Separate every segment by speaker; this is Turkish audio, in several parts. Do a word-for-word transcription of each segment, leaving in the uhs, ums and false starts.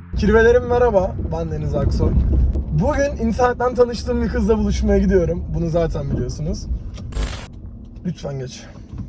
Speaker 1: Kirvelerim merhaba, ben Deniz Aksoy. Bugün internetten tanıştığım bir kızla buluşmaya gidiyorum. Bunu zaten biliyorsunuz. Lütfen geç.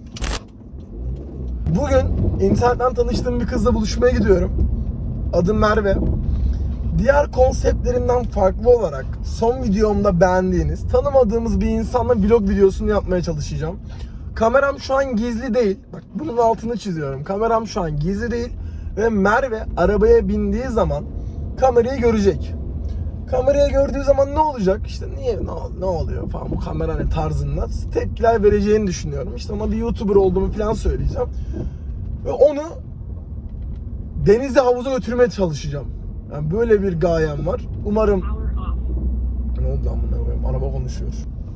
Speaker 1: Bugün internetten tanıştığım bir kızla buluşmaya gidiyorum. Adım Merve. Diğer konseptlerimden farklı olarak son videomda beğendiğiniz, tanımadığımız bir insanla vlog videosunu yapmaya çalışacağım. Kameram şu an gizli değil. Bak bunun altını çiziyorum. Kameram şu an gizli değil. Ve Merve arabaya bindiği zaman kamerayı görecek. Kamerayı gördüğü zaman ne olacak? İşte niye, ne, ne oluyor falan bu kamera ne tarzında tepkiler vereceğini düşünüyorum. İşte ona bir YouTuber olduğumu falan söyleyeceğim. Ve onu denize, havuza götürmeye çalışacağım. Yani böyle bir gayem var. Umarım... Ne oldu lan bu, ne koyayım? Araba konuşuyor.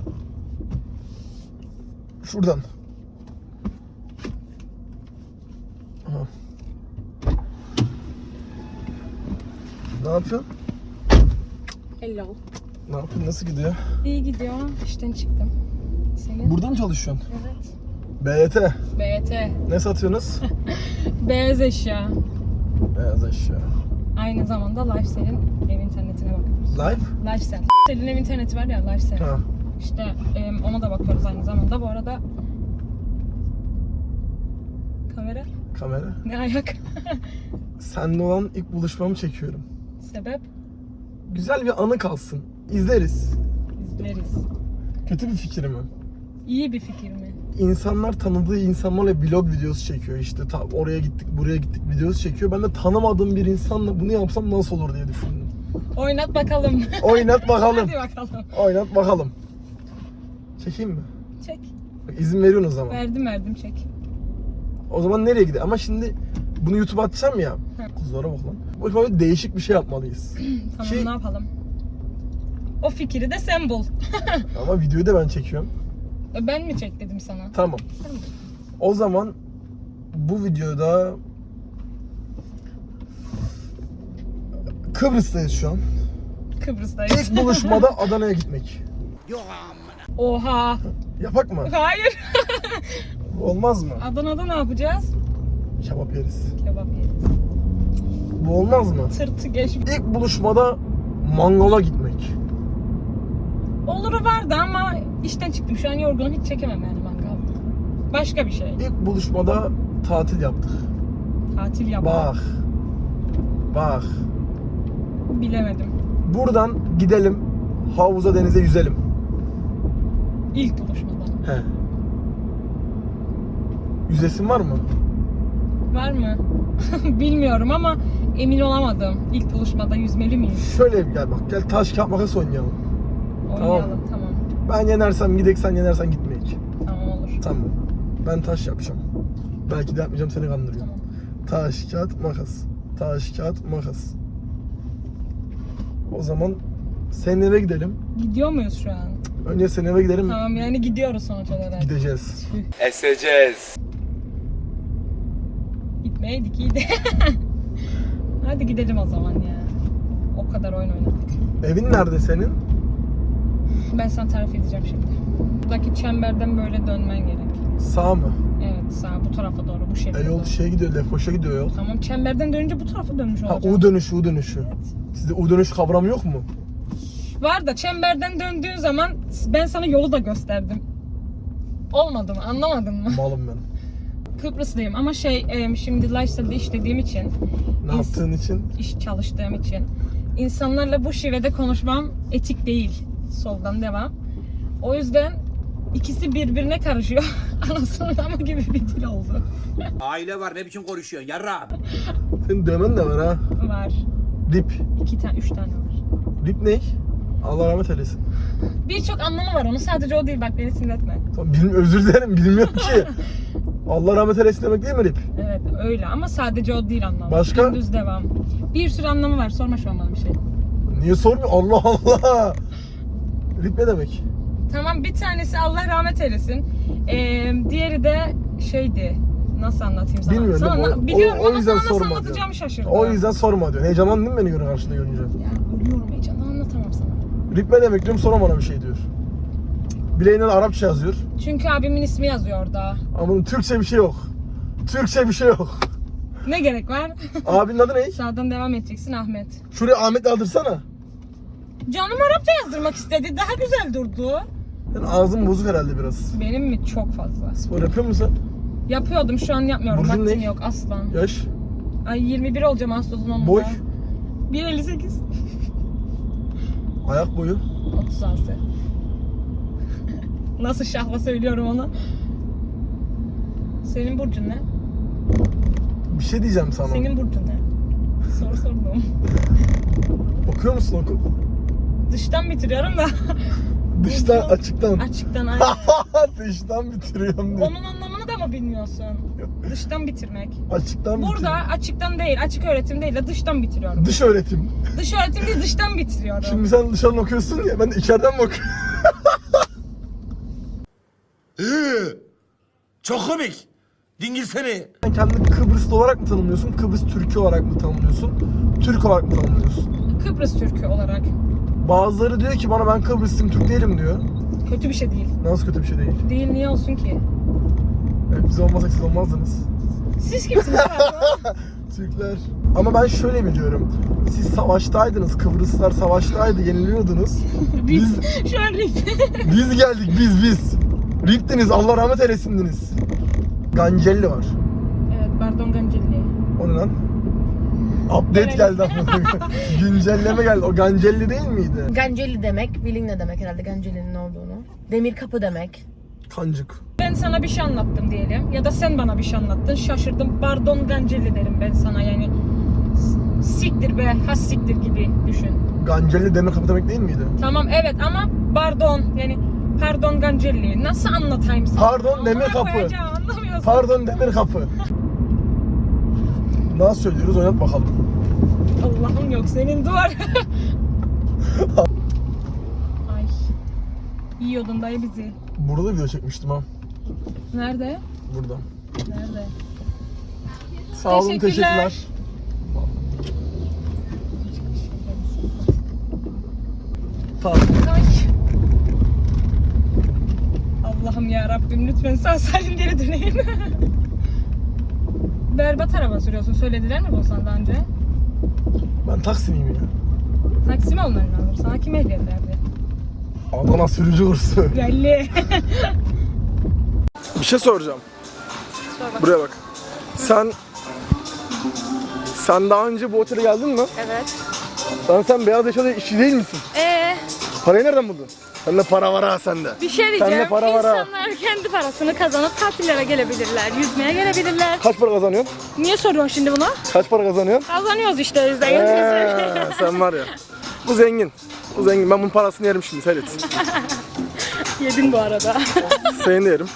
Speaker 1: Şuradan. Aha. Ne yapıyorsun?
Speaker 2: Hello.
Speaker 1: Ne yapıyorsun? Nasıl gidiyor?
Speaker 2: İyi gidiyor. İşten çıktım. Senin?
Speaker 1: Burada mı çalışıyorsun?
Speaker 2: Evet.
Speaker 1: B Y T.
Speaker 2: B Y T.
Speaker 1: Ne satıyorsunuz?
Speaker 2: Beyaz eşya.
Speaker 1: Beyaz eşya.
Speaker 2: Aynı zamanda Lifestyle'in ev internetine bakıyoruz.
Speaker 1: Live?
Speaker 2: Lifestyle. Lifestyle'in ev interneti var ya, Lifestyle.
Speaker 1: Ha.
Speaker 2: İşte e, ona da bakıyoruz aynı zamanda. Bu arada kamera
Speaker 1: Kamera.
Speaker 2: ne ayak?
Speaker 1: Seninle olan ilk buluşmamı çekiyorum.
Speaker 2: Sebep?
Speaker 1: Güzel bir anı kalsın. İzleriz.
Speaker 2: İzleriz.
Speaker 1: Kötü bir fikir mi?
Speaker 2: İyi bir fikir mi?
Speaker 1: İnsanlar tanıdığı insanlarla vlog videosu çekiyor işte. Ta oraya gittik, buraya gittik videosu çekiyor. Ben de tanımadığım bir insanla bunu yapsam nasıl olur diye düşündüm.
Speaker 2: Oynat bakalım.
Speaker 1: Oynat bakalım.
Speaker 2: Hadi bakalım.
Speaker 1: Oynat bakalım. Çekeyim mi?
Speaker 2: Çek.
Speaker 1: Bak, İzin veriyorsun o zaman.
Speaker 2: Verdim verdim çek.
Speaker 1: O zaman nereye gidelim? Ama şimdi bunu YouTube'a atacağım ya. Kızlara bak lan. Bu böyle değişik bir şey yapmalıyız.
Speaker 2: Tamam
Speaker 1: Ki-
Speaker 2: ne yapalım? O fikri de sen bul.
Speaker 1: Ama videoyu da ben çekiyorum.
Speaker 2: Ben mi çek dedim sana?
Speaker 1: Tamam.
Speaker 2: Tamam.
Speaker 1: O zaman bu videoda Kıbrıs'tayız şu an.
Speaker 2: Kıbrıs'tayız.
Speaker 1: İlk buluşmada Adana'ya gitmek.
Speaker 2: Oha.
Speaker 1: Yapak mı?
Speaker 2: Hayır.
Speaker 1: Olmaz mı?
Speaker 2: Adana'da ne yapacağız?
Speaker 1: Kebap yeriz.
Speaker 2: Kebap yeriz.
Speaker 1: Bu olmaz mı?
Speaker 2: Tırtı geç.
Speaker 1: İlk buluşmada mangala gitmek.
Speaker 2: Oluru vardı ama işten çıktım. Şu an yorgunum. Hiç çekemem yani mangal. Başka bir şey.
Speaker 1: İlk buluşmada tatil yaptık.
Speaker 2: Tatil yap.
Speaker 1: Bak. Bak.
Speaker 2: Bilemedim.
Speaker 1: Buradan gidelim havuza, denize yüzelim.
Speaker 2: İlk buluşmada.
Speaker 1: He. Yüzesin var mı?
Speaker 2: Var mı? Bilmiyorum ama emin olamadım. İlk buluşmada yüzmeli miyiz?
Speaker 1: Şöyle gel bak, gel taş kağıt makas oynayalım.
Speaker 2: Oynayalım. Tamam.
Speaker 1: Ben yenersem gidek, sen yenersen gitmeyek.
Speaker 2: Tamam, olur.
Speaker 1: Tamam. Ben taş yapacağım. Belki de yapmayacağım, seni kandırıyorum.
Speaker 2: Tamam.
Speaker 1: Taş kağıt makas. Taş kağıt makas. O zaman senin eve gidelim.
Speaker 2: Gidiyor muyuz şu an?
Speaker 1: Önce senin eve gidelim.
Speaker 2: Tamam, yani gidiyoruz sonuç olarak.
Speaker 1: Gideceğiz.
Speaker 3: Eseceğiz.
Speaker 2: Gitmeydik iyiydi. Hadi gidelim o zaman ya. O kadar oyun oynadık.
Speaker 1: Evin nerede senin?
Speaker 2: Ben sana tarif edeceğim şimdi. Buradaki çemberden böyle dönmen gerek.
Speaker 1: Sağ mı?
Speaker 2: Evet, sağ bu tarafa doğru, bu şekilde.
Speaker 1: E yol şey gidiyor, Lefkoş'a gidiyor yol.
Speaker 2: Tamam, çemberden dönünce bu tarafa dönmüş
Speaker 1: Ha,
Speaker 2: olacağım.
Speaker 1: U dönüşü, U dönüşü.
Speaker 2: Evet.
Speaker 1: Sizde U dönüş kavramı yok mu?
Speaker 2: Var da çemberden döndüğün zaman ben sana yolu da gösterdim. Olmadı mı? Anlamadın mı?
Speaker 1: Malım ben.
Speaker 2: Kıbrıslıyım ama şey e, şimdi Lifestyle'de işlediğim için,
Speaker 1: Ne
Speaker 2: ins-
Speaker 1: yaptığın için?
Speaker 2: iş çalıştığım için insanlarla bu şivede konuşmam etik değil. Soldan devam. O yüzden ikisi birbirine karışıyor. Anasının amı gibi bir dil oldu.
Speaker 3: Aile var, ne biçim konuşuyorsun yarrağım?
Speaker 1: Senin dövmen de var ha.
Speaker 2: Var.
Speaker 1: Dip.
Speaker 2: İki tane, üç tane var.
Speaker 1: Dip ne? Allah rahmet eylesin.
Speaker 2: Birçok anlamı var onun. Sadece o değil, bak beni sinirletme.
Speaker 1: Tamam, bilim, özür dilerim, bilmiyorum ki. Allah rahmet eylesin demek değil mi Dip?
Speaker 2: Evet öyle ama sadece o değil anlamı.
Speaker 1: Başka?
Speaker 2: Düz devam. Bir sürü anlamı var. Sorma şu an bana bir şey.
Speaker 1: Niye sormuyor? Allah Allah. Dip ne demek?
Speaker 2: Tamam, bir tanesi Allah rahmet eylesin. Ee, diğeri de şeydi. Nasıl anlatayım sana?
Speaker 1: Bilmiyorum.
Speaker 2: Sana,
Speaker 1: O, o,
Speaker 2: biliyorum
Speaker 1: o
Speaker 2: ama
Speaker 1: yüzden
Speaker 2: sana nasıl
Speaker 1: sorma diyor.
Speaker 2: anlatacağımı şaşırdım.
Speaker 1: O yüzden sorma diyor. Heyecanlandın mı beni göre karşında görünce?
Speaker 2: Ya ölüyorum heyecanla, anlatamam sana.
Speaker 1: Rip ne demek diyorum, sonra bana bir şey diyor. Bileğinden Arapça yazıyor.
Speaker 2: Çünkü abimin ismi yazıyor orada.
Speaker 1: Ama bunun Türkçe bir şey yok. Türkçe bir şey yok.
Speaker 2: Ne gerek var?
Speaker 1: Abinin adı ne?
Speaker 2: Sağdan devam edeceksin Ahmet.
Speaker 1: Şuraya Ahmet'i aldırsana.
Speaker 2: Canım Arapça yazdırmak istedi. Daha güzel durdu.
Speaker 1: Senin ağzın bozuk herhalde biraz.
Speaker 2: Benim mi? Çok fazla.
Speaker 1: Spor yapıyor musun?
Speaker 2: Yapıyordum, şu an yapmıyorum.
Speaker 1: Burcun
Speaker 2: Vaktim
Speaker 1: ne?
Speaker 2: yok aslan.
Speaker 1: Yaş?
Speaker 2: Ay yirmi bir olacağım Ağustos'un onunda.
Speaker 1: Boy?
Speaker 2: bir elli sekiz.
Speaker 1: Ayak boyu?
Speaker 2: otuz altı. Nasıl şahla söylüyorum onu. Senin burcun ne?
Speaker 1: Bir şey diyeceğim sana.
Speaker 2: Senin burcun ne? Soru sordum.
Speaker 1: Okuyor musun oku?
Speaker 2: Dıştan bitiriyorum da.
Speaker 1: Dıştan, açıktan.
Speaker 2: Açıktan ay.
Speaker 1: Dıştan bitiriyorum diyor.
Speaker 2: Onun anlamını da mı bilmiyorsun? Dıştan bitirmek.
Speaker 1: Açıktan
Speaker 2: Burada
Speaker 1: bitiriyorum.
Speaker 2: açıktan değil, açık öğretim değil de dıştan bitiriyorum.
Speaker 1: Dış öğretim.
Speaker 2: Dış öğretim değil, dıştan bitiriyorum.
Speaker 1: Şimdi sen dışarıdan okuyorsun ya, ben de içeriden mi okuyorum?
Speaker 3: Çok komik. Dingil seni.
Speaker 1: Sen kendini Kıbrıslı olarak mı tanımlıyorsun, Kıbrıs Türk'ü olarak mı tanımlıyorsun, Türk olarak mı tanımlıyorsun?
Speaker 2: Kıbrıs Türk'ü olarak.
Speaker 1: Bazıları diyor ki bana ben Kıbrıslıyım, Türk değilim diyor.
Speaker 2: Kötü bir şey değil.
Speaker 1: Nasıl kötü bir şey değil?
Speaker 2: Değil, niye olsun ki?
Speaker 1: Evet, biz olmasak siz olmazdınız.
Speaker 2: Siz kimsiniz pardon?
Speaker 1: Türkler. Ama ben şöyle biliyorum. Siz savaştaydınız, Kıbrıslılar savaştaydı, yeniliyordunuz. Biz,
Speaker 2: Şu an rip.
Speaker 1: biz geldik, biz biz. Riptiniz, Allah rahmet eylesindiniz. Gancelli var.
Speaker 2: Evet, pardon Gancelli.
Speaker 1: O ne lan? Update geldi ama. Güncelleme geldi. O Gancelli değil miydi?
Speaker 4: Ganceli demek, bilin ne demek herhalde Ganceli'nin ne olduğunu. Demir kapı demek.
Speaker 1: Kancık.
Speaker 2: Ben sana bir şey anlattım diyelim ya da sen bana bir şey anlattın, şaşırdım, pardon Gancelli derim ben sana, yani s- siktir be, has siktir gibi düşün.
Speaker 1: Gancelli demir kapı demek değil miydi?
Speaker 2: Tamam evet ama pardon, yani pardon Gancelli nasıl anlatayım sana?
Speaker 1: Pardon, demir
Speaker 2: Amına
Speaker 1: kapı.
Speaker 2: koyacağım, anlamıyorsun.
Speaker 1: Pardon demir kapı. Nasıl söylüyoruz, oynat bakalım.
Speaker 2: Allah'ım yok senin duvar. Ay. Yiyordun dayı bizi.
Speaker 1: Burada video çekmiştim ha.
Speaker 2: Nerede?
Speaker 1: Burada.
Speaker 2: Nerede?
Speaker 1: Sağ olun,
Speaker 2: Teşekkürler.
Speaker 1: teşekkürler. Tamam.
Speaker 2: Ay. Allah'ım ya Rabbim lütfen sağ salim geri döneyim. Berbat araba sürüyorsun. Söylediler mi bu sana daha önce?
Speaker 1: Ben Taksim'iyim ya.
Speaker 2: Taksim olman lazım. Sana kim ehliyet verdi?
Speaker 1: Adana sürücü kursu.
Speaker 2: Belli.
Speaker 1: Bir şey soracağım.
Speaker 2: Sor bak.
Speaker 1: Buraya bak. Sen Sen daha önce bu otele geldin mi?
Speaker 2: Evet.
Speaker 1: Lan sen beyaz eşyada işçi değil misin?
Speaker 2: Ee,
Speaker 1: Parayı nereden buldun? Sende para var ha sende.
Speaker 2: bir şey
Speaker 1: Sende
Speaker 2: diyeceğim.
Speaker 1: para var ha.
Speaker 2: İnsanlar kendi parasını kazanıp tatillere gelebilirler. Yüzmeye gelebilirler.
Speaker 1: Kaç para kazanıyorsun?
Speaker 2: Niye soruyorsun şimdi bunu?
Speaker 1: Kaç para kazanıyorsun?
Speaker 2: Kazanıyoruz işte biz de.
Speaker 1: Eee, sen var ya. Bu zengin. Bu zengin. Ben bunun parasını yerim şimdi, seyret.
Speaker 2: Yedin bu arada.
Speaker 1: Seni de yerim.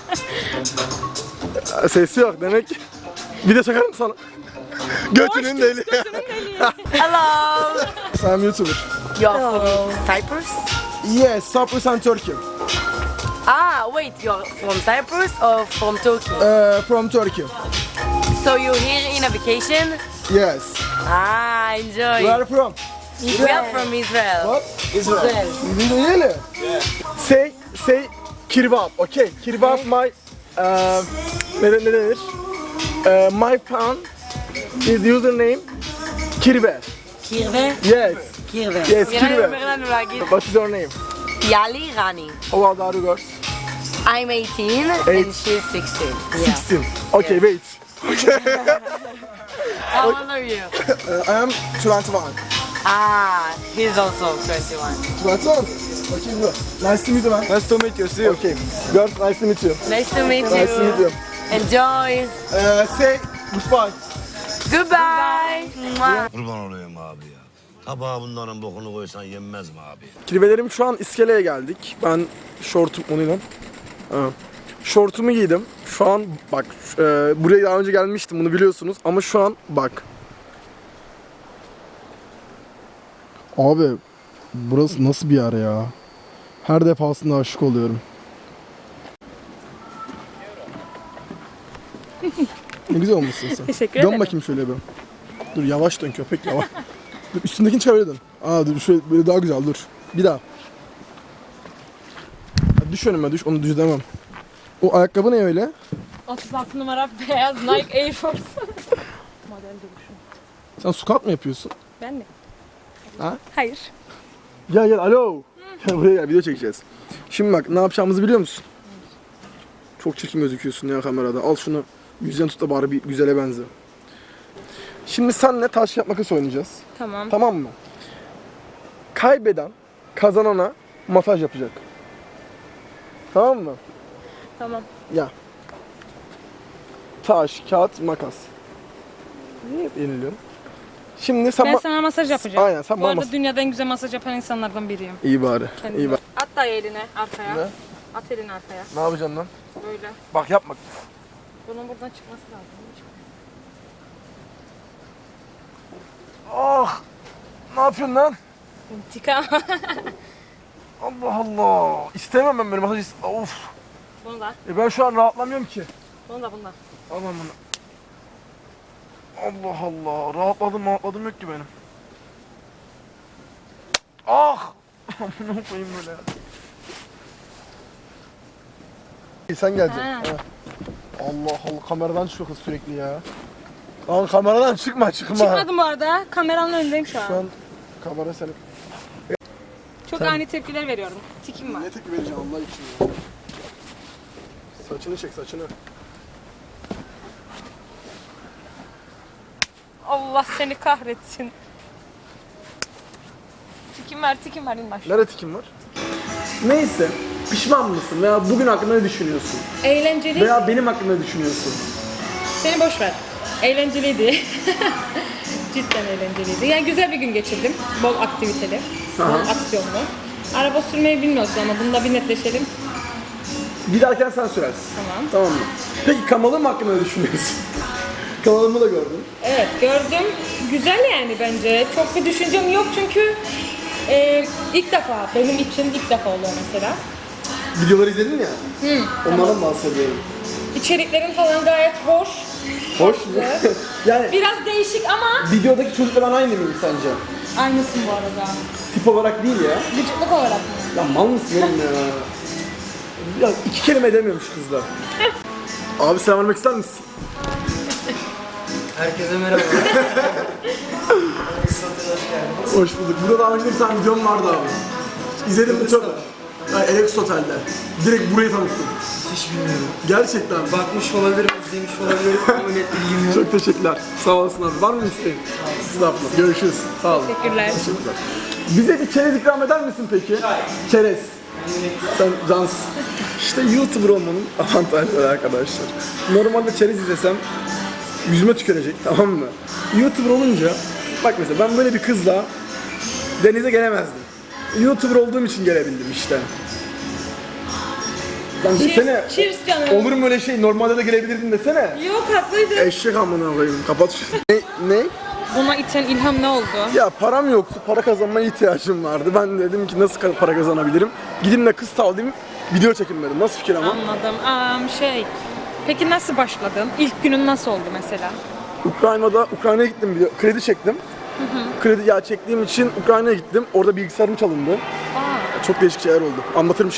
Speaker 1: Sesi yok demek. Bir de çakarım sana. Götünün deli.
Speaker 4: Hello!
Speaker 1: Sen YouTuber.
Speaker 4: You're from Cyprus?
Speaker 1: Yes, Cyprus and Turkey.
Speaker 4: Ah, wait, you're from Cyprus or from Turkey?
Speaker 1: Uh, from Turkey.
Speaker 4: So you're here in a vacation?
Speaker 1: Yes.
Speaker 4: Ah, enjoy.
Speaker 1: Where are you from?
Speaker 4: We are from Israel.
Speaker 1: What?
Speaker 4: Israel.
Speaker 1: Really? Say, say kirbap, okay? Kirbap my, uh, ne, ne denir? Uh, my fan is username Kirbe.
Speaker 4: Kirve?
Speaker 1: Yes,
Speaker 4: Kirve.
Speaker 1: yes,
Speaker 4: נראה לי
Speaker 1: Kirbe.
Speaker 4: אומר לנו להגיד.
Speaker 1: What is your name?
Speaker 4: יאלי רני.
Speaker 1: How old are you girls?
Speaker 4: I'm eighteen
Speaker 1: Eight.
Speaker 4: and she's sixteen. Yeah.
Speaker 1: sixteen. Okay,
Speaker 4: Yes.
Speaker 1: wait.
Speaker 4: How old are you?
Speaker 1: Uh, I am twenty-one.
Speaker 4: Ah, he's also twenty-one.
Speaker 1: twenty-one? Okay, good. Nice to meet you, man. Nice to meet you, see you. Okay, girls, nice to meet you.
Speaker 4: Nice to meet you.
Speaker 1: Nice to meet you.
Speaker 4: Enjoy.
Speaker 1: Uh, say goodbye.
Speaker 4: Goodbye. Mwah.
Speaker 5: Kurban olayım abi ya. Tabağa bunların bokunu koysan yenmez mi abi?
Speaker 1: Kirvelerim şu an iskeleye geldik. Ben şortum onuyla. Ha. Şortumu giydim. Şu an bak e, buraya daha önce gelmiştim, bunu biliyorsunuz ama şu an bak. Abi burası nasıl bir yer ya? Her defasında aşık oluyorum. Ne güzel olmuşsun sen.
Speaker 2: Teşekkür
Speaker 1: Dön
Speaker 2: ederim.
Speaker 1: bakayım şöyle bir. Dur yavaş dön köpek yavaş. Dur, üstündekini çevir dön. Aa dur şöyle böyle daha güzel dur. Bir daha. Ya düş önüme düş, onu düz demem. O ayakkabı ne öyle?
Speaker 2: otuz altı numara beyaz Nike Air Force. Model.
Speaker 1: Sen squat mı yapıyorsun?
Speaker 2: Ben mi?
Speaker 1: Ha?
Speaker 2: Hayır.
Speaker 1: Gel gel alo. Gel buraya gel video çekeceğiz. Şimdi bak ne yapacağımızı biliyor musun? Çok çirkin gözüküyorsun ya kamerada. Al şunu yüzden tut da bari bir güzele benze. Şimdi senle taş kağıt makas oynayacağız.
Speaker 2: Tamam.
Speaker 1: Tamam mı? Kaybeden kazanana masaj yapacak. Tamam mı?
Speaker 2: Tamam.
Speaker 1: Ya. Taş, kağıt, makas. Niye hep yeniliyorsun? Şimdi sen
Speaker 2: Ben
Speaker 1: ma-
Speaker 2: sana masaj yapacağım.
Speaker 1: Aynen, sen
Speaker 2: Bu
Speaker 1: bana
Speaker 2: arada
Speaker 1: mas-
Speaker 2: dünyada en güzel masaj yapan insanlardan biriyim.
Speaker 1: İyi bari.
Speaker 2: Kendime.
Speaker 1: İyi bari.
Speaker 2: At da elini arkaya.
Speaker 1: Ne?
Speaker 2: At elini arkaya.
Speaker 1: Ne yapacaksın lan?
Speaker 2: Böyle.
Speaker 1: Bak yapma.
Speaker 2: Bunun buradan çıkması lazım.
Speaker 1: Ah! Ne yapıyorsun lan?
Speaker 2: İntikam.
Speaker 1: Allah Allah. İstemem ben böyle masaj. ist- Of.
Speaker 2: Bunu da.
Speaker 1: E ben şu an rahatlamıyorum ki.
Speaker 2: Bunu da bunu da.
Speaker 1: Aman bunu. Allah Allah. Rahatladım rahatladım yok ki benim. Ah! Amına koyayım böyle ya. İyi, sen geleceksin.
Speaker 2: Ha.
Speaker 1: Ha. Allah Allah kameradan çıkıyor kız sürekli ya. Lan kameradan çıkma çıkma.
Speaker 2: Çıkmadım bu arada. Kameranın önündeyim şu an.
Speaker 1: Şu an kamera senin.
Speaker 2: Çok
Speaker 1: Sen-
Speaker 2: ani tepkiler veriyorum. Tikim var.
Speaker 1: Ne tepki vereceğim Allah için ya. Saçını çek saçını.
Speaker 2: Allah seni kahretsin. Tikim var, tikim var. İn aşağı.
Speaker 1: Nerede tikim var? Neyse. Pişman mısın? Veya bugün hakkında ne düşünüyorsun?
Speaker 2: Eğlenceli.
Speaker 1: Veya benim hakkında ne düşünüyorsun?
Speaker 2: Seni boş ver. Eğlenceliydi. Cidden eğlenceliydi. Yani güzel bir gün geçirdim. Bol aktiviteli, bol
Speaker 1: Aha.
Speaker 2: aksiyonlu. Araba sürmeyi bilmiyorsun ama bunda bir netleşelim.
Speaker 1: Giderken sen sürersin.
Speaker 2: Tamam.
Speaker 1: Tamam mı? Peki kanalım hakkında ne düşünüyorsun? Kanalımı da gördün.
Speaker 2: Evet gördüm. Güzel yani bence. Çok bir düşüncem yok çünkü e, ilk defa, benim için ilk defa oluyor mesela.
Speaker 1: Videoları izledin ya.
Speaker 2: Hı,
Speaker 1: Onlardan bahsediyorum.
Speaker 2: İçeriklerin falan gayet hoş.
Speaker 1: Hoş mu?
Speaker 2: tatlı.
Speaker 1: Yani
Speaker 2: Biraz değişik ama
Speaker 1: videodaki çocuklardan aynı mıyım sence?
Speaker 2: aynısın bu arada.
Speaker 1: Tip olarak değil ya.
Speaker 2: Vücutluk olarak mı?
Speaker 1: Ya mal mısın oğlum ya? Ya iki kelime edemiyormuş kızlar. Abi selam vermek ister misin?
Speaker 6: Herkese merhaba.
Speaker 1: Hoş bulduk. Burada daha önce bir tane videom vardı abi. İzledim mi çok? Yani Alex Otel'de. Direkt burayı tanıttım.
Speaker 6: Hiç bilmiyorum.
Speaker 1: Gerçekten.
Speaker 6: Bakmış olabilirim, izlemiş olabilirim ama net bilgim yok.
Speaker 1: Çok teşekkürler. Sağ olasın abi. Var mı isteğin? Estağfurullah. Görüşürüz. Sağ olun.
Speaker 2: Teşekkürler.
Speaker 1: Teşekkürler. Bize bir çerez ikram eder misin peki? Çerez. Sen cansın. İşte YouTuber olmanın avantajları arkadaşlar. Normalde çerez izlesem yüzüme tükürecek, tamam mı? YouTuber olunca bak mesela ben böyle bir kızla denize gelemezdim. YouTuber olduğum için gelebildim işte. Lan desene.
Speaker 2: Cheers, cheers canım.
Speaker 1: Olur mu öyle şey? Normalde de gelebilirdin desene.
Speaker 2: Yok haklıydın.
Speaker 1: Eşek amına koyayım. Kapat şunu. Ne? Ne?
Speaker 2: Buna iten ilham ne oldu?
Speaker 1: Ya param yoktu. Para kazanmaya ihtiyacım vardı. Ben dedim ki nasıl para kazanabilirim? Gideyim de kız tavlayayım. Video çekin dedim. Nasıl fikir ama?
Speaker 2: Anladım. Aa, şey. Peki nasıl başladın? İlk günün nasıl oldu mesela?
Speaker 1: Ukrayna'da Ukrayna'ya gittim video. Kredi çektim. Kredi ya çektiğim için Ukrayna'ya gittim. Orada bilgisayarım çalındı.
Speaker 2: Aa.
Speaker 1: Çok değişik şeyler oldu. Anlatırım